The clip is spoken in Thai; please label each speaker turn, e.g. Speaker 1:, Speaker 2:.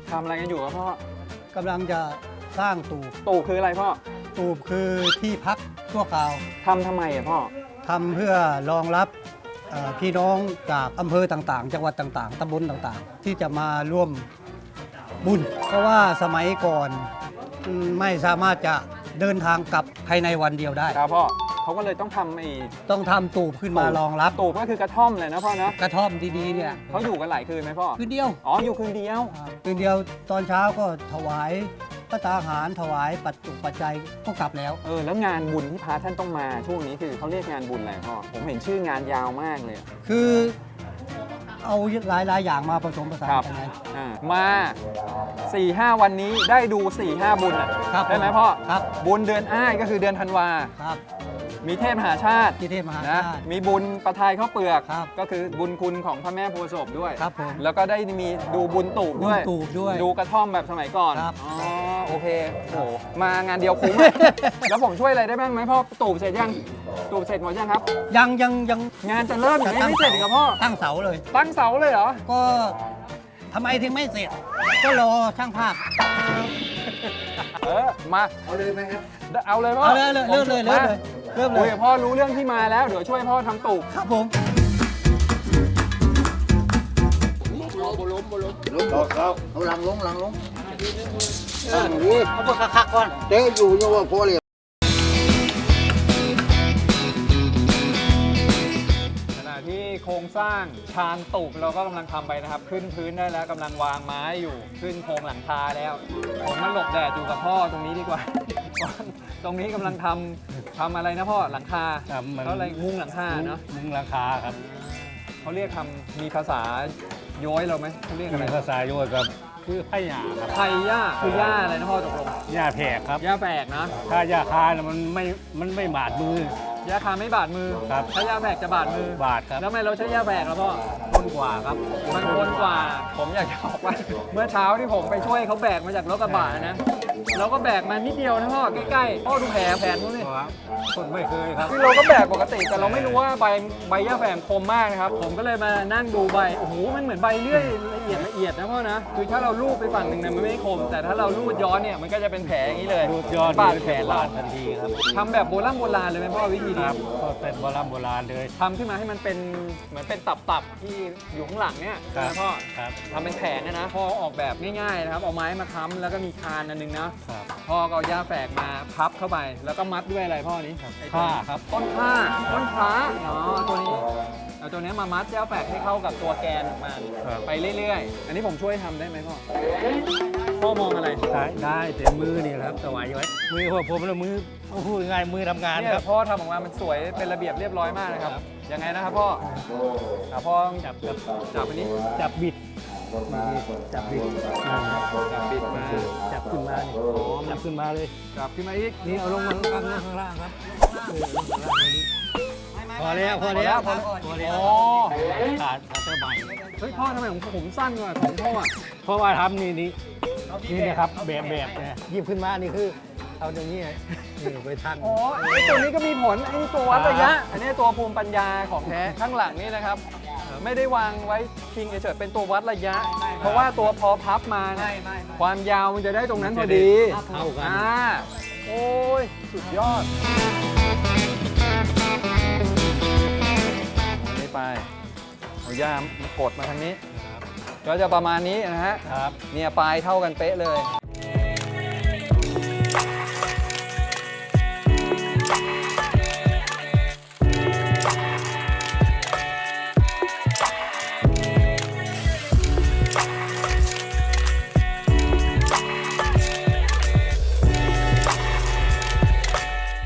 Speaker 1: ทำอะไรกันอยู่ครับพ่อก
Speaker 2: ำลังจะสร้างตูบ
Speaker 1: ตูบคืออะไรพ่อ
Speaker 2: ตูบคือที่พักชั่วคราว
Speaker 1: ทำไมอ่ะพ่อ
Speaker 2: ทำเพื่อรองรับพี่น้องจากอำเภอต่างๆ จังหวัดต่างๆตำบลต่างๆ ที่จะมาร่วมบุญ เพราะว่าสมัยก่อนไม่สามารถจะเดินทางกลับภายในวันเดียวได้
Speaker 1: ครับพ่อเขาก็เลยต้องทำ
Speaker 2: ต้องทำตูบขึ้นมารองรับ
Speaker 1: ตูบก็คือกระท่อมเลยนะพ่อเนาะ
Speaker 2: กระท่อมดีๆเนี่ย
Speaker 1: เขาอยู่กันหลายคืนไหมพ่อ
Speaker 2: คืนเดียว
Speaker 1: อ๋ออยู่คืนเดียว
Speaker 2: คืนเดียวตอนเช้าก็ถวายพระตาหารถวายปัจจุปัจจัยก็กลับแล้ว
Speaker 1: แล้วงานบุญที่พระท่านต้องมาช่วงนี้คือเขาเรียกงานบุญอะไรพ่อผมเห็นชื่องานยาวมากเลย
Speaker 2: คือเอาหลายๆอย่างมาผสมผสาน
Speaker 1: ครับ
Speaker 2: กันไง
Speaker 1: มา 4-5 วันนี้ได้ดู 4-5 บุญอ่ะ
Speaker 2: ครับ
Speaker 1: ได้ไหมพ่อ
Speaker 2: ครับ
Speaker 1: บุญเดือนอ้ายก็คือเดือนธันวา
Speaker 2: ครับ
Speaker 1: มีเทพมหาชาติ
Speaker 2: ที่เทพมหา
Speaker 1: นะ
Speaker 2: ชาติ
Speaker 1: มีบุญประทายข้าวเปลือก
Speaker 2: ครับ
Speaker 1: ก็คือบุญคุณของพระแม่โพธิ์ศพด้วย
Speaker 2: ครับผม
Speaker 1: แล้วก็ได้มีดูบุญตูบด้วย
Speaker 2: บุญตูบด้วย
Speaker 1: ดูกระท่อมแบบสมัยก่อน
Speaker 2: ครับ
Speaker 1: อ๋อโอเคโอ้มางานเดียวคุ้ม อะ แล้วผมช่วยอะไรได้บ้างไหมพ่อตูบเสร็จยังตูบเสร็จหมดยังครับ
Speaker 2: ยัง
Speaker 1: งานจะเริ่มอย่างนี้ไม่เสร็จอีกเหรอพ่อ
Speaker 2: ตั้งเสาเลย
Speaker 1: ตั้งเสาเลยเหรอ
Speaker 2: ก็ทำไมถึงไม่เสร็จ ก็รอช่างภาพ
Speaker 1: มา
Speaker 3: เอาเลยไหมครับ
Speaker 1: เอาเลยพ่อ
Speaker 2: เอาเลยเริ่มเลย
Speaker 1: มา
Speaker 2: เริ่มเล
Speaker 1: โอ้
Speaker 2: ย
Speaker 1: ยพ่อรู้เรื่องที่มาแล้วเดี๋ยวช่วยพ่อทำตูบ
Speaker 2: ครับผม
Speaker 3: ล้มบอกเขาเอาหลังลงหลังลงนี่
Speaker 2: เอาพวกคักๆก่อน
Speaker 3: เตะอยู่ยังว่าพอเลย
Speaker 1: ขณะที่โครงสร้างชานตูบเราก็กำลังทำไปนะครับ ขึ้นพื้นได้แล้วกำลังวางไม้อยู่ขึ้นโครงหลังคาแล้ว ผมมาหลบแดดอยู่กับพ่อตรงนี้ดีกว่า ตรงนี้กำลังทำอะไรนะพ่อหลังคาเขาอะไรมุงหลังคาเนาะ
Speaker 4: มุงราคาครับ
Speaker 1: เขาเรียกมีภาษาโย้อยเราไหมเขาเรียกอะไร
Speaker 4: มีภาษาโยกครับคือไผ่หยาครับ
Speaker 1: ไทยย่าคือย่าอะไรนะพ่อตกลง
Speaker 4: หญ้าแผกครับ
Speaker 1: ย่าแฝกนะ
Speaker 4: ถ้าหญ้าคาน่ะมันไม่บาดมือ
Speaker 1: ย่าคาไม่บาดมือ
Speaker 4: ครับ
Speaker 1: ถ้าย่าแฝกจะบาดมือ
Speaker 4: บาดครับ
Speaker 1: แล้วทำไมเราใช้ย่าแฝกล่ะพ่อ
Speaker 4: ต้นกว่าครับ
Speaker 1: มันคนกว่า ผมอยากจะบอกว่า เมื่อเช้าที่ผมไปช่วยเขาแบกมาจากรถกระบะนะเราก็แบกมานิดเดียวนะพ่อใกล้ๆพ่อดูแผลนู้นนี่
Speaker 4: ครับคนไม่เคยครับ
Speaker 1: คือเราก็แบกปกติแต่เราไม่รู้ว่าใบย่าแฝกคมมากนะครับผมก็เลยมานั่งดูใบโอ้โหมันเหมือนใบเลื่อยละเอียดนะพ่อนะคือถ้าเราลูบไปฝั่งหนึ่งเนี่ยมันไม่คม แต่ถ้าเราลูดย้อนเนี่ยมันก็จะเป็นแผลอย่างนี้เลย
Speaker 4: รูดยอด
Speaker 1: บาดแผล
Speaker 4: บา
Speaker 1: เรา
Speaker 4: ดทันทีครับ
Speaker 1: ทำแบบโบราณเลยไหมพ่อวิธี
Speaker 4: ค
Speaker 1: นี้
Speaker 4: รับก็เป็นโบราณเลย
Speaker 1: ทำขึ้นมาให้มันเป็นเหมือนเป็นตับที่อยู่ข้างหลังเนี่ย
Speaker 4: ครับ
Speaker 1: นะพ่อ
Speaker 4: ครับ
Speaker 1: ทำเป็นแผงนะพ่อออกแบบง่ายๆนะครับเอาไม้มาค้ำแล้วก็มีคานอันนึงนะครับ พ่อก็เอาย่าแฝกมาพับเข้าไป แล้วก็มัดด้วยอะไรพ่อนี้ไอ้ตัว
Speaker 4: ผ้า
Speaker 1: นี้
Speaker 4: ครับ
Speaker 1: ต้นผ้าต้นพระอ๋อตัวนี้เอาตัวนี้มามัดย่าแฝกให้เข้ากับตัวแกนของมัน
Speaker 4: ครับ
Speaker 1: ไปเรื่อยๆ อันนี้ผมช่วยทำได้ไหมพ่อพ่อมองอะไร
Speaker 4: ได้แต่มือนี่ครับสวายไว้มือผมแล้วมือพูดง่ายมือทำงาน
Speaker 1: เนี่
Speaker 4: ครั
Speaker 1: ย
Speaker 4: บ
Speaker 1: พ่อทำออกมามันสวยเป็นระเบียบเรียบร้อยมากนะครับ
Speaker 4: ครับ
Speaker 1: ยังไงนะครับพ่อพ่อ
Speaker 4: จับ
Speaker 1: จับอันนี้
Speaker 4: จับบิดจับบิด
Speaker 1: จับบิดมา
Speaker 4: จับขึ้นมานี่จับขึ้นมาเลย
Speaker 1: จับขึ้นมาอีก
Speaker 4: นี่เอาลงมาข้างล่างครับพอแล้วพอแล้วพอแล้ว
Speaker 1: โอ้
Speaker 4: ขาดเสื้อใบ
Speaker 1: เฮ้ยพ่อทำไมของผมสั้นกว่าของพ่ออ่ะ
Speaker 4: เพราะว่าทำนี่นะครับแบบเนี่ยหยิบขึ้นมานี่คือเอาอย่างนี้นี่ไปทัน
Speaker 1: อ๋อไอ้ตัวนี้ก็มีผลไอ้ตัววัดระยะ อันนี้ตัวภูมิปัญญาของแท้ข้างหลังนี่นะครับ ไม่ได้วางไว้พิงเฉยๆเป็นตัววัดระยะ เพราะว่าตัวพอพับมาเนี่ยความยาวมันจะได้ตรงนั้นพอดี
Speaker 4: เท่ากัน
Speaker 1: โอ้ยสุดยอดอันนี้ไปเอาย่ามากดมาทางนี้ ก็จะประมาณนี้นะฮะ
Speaker 4: ครับ
Speaker 1: เนี่ยปลายเท่ากันเป๊ะเลย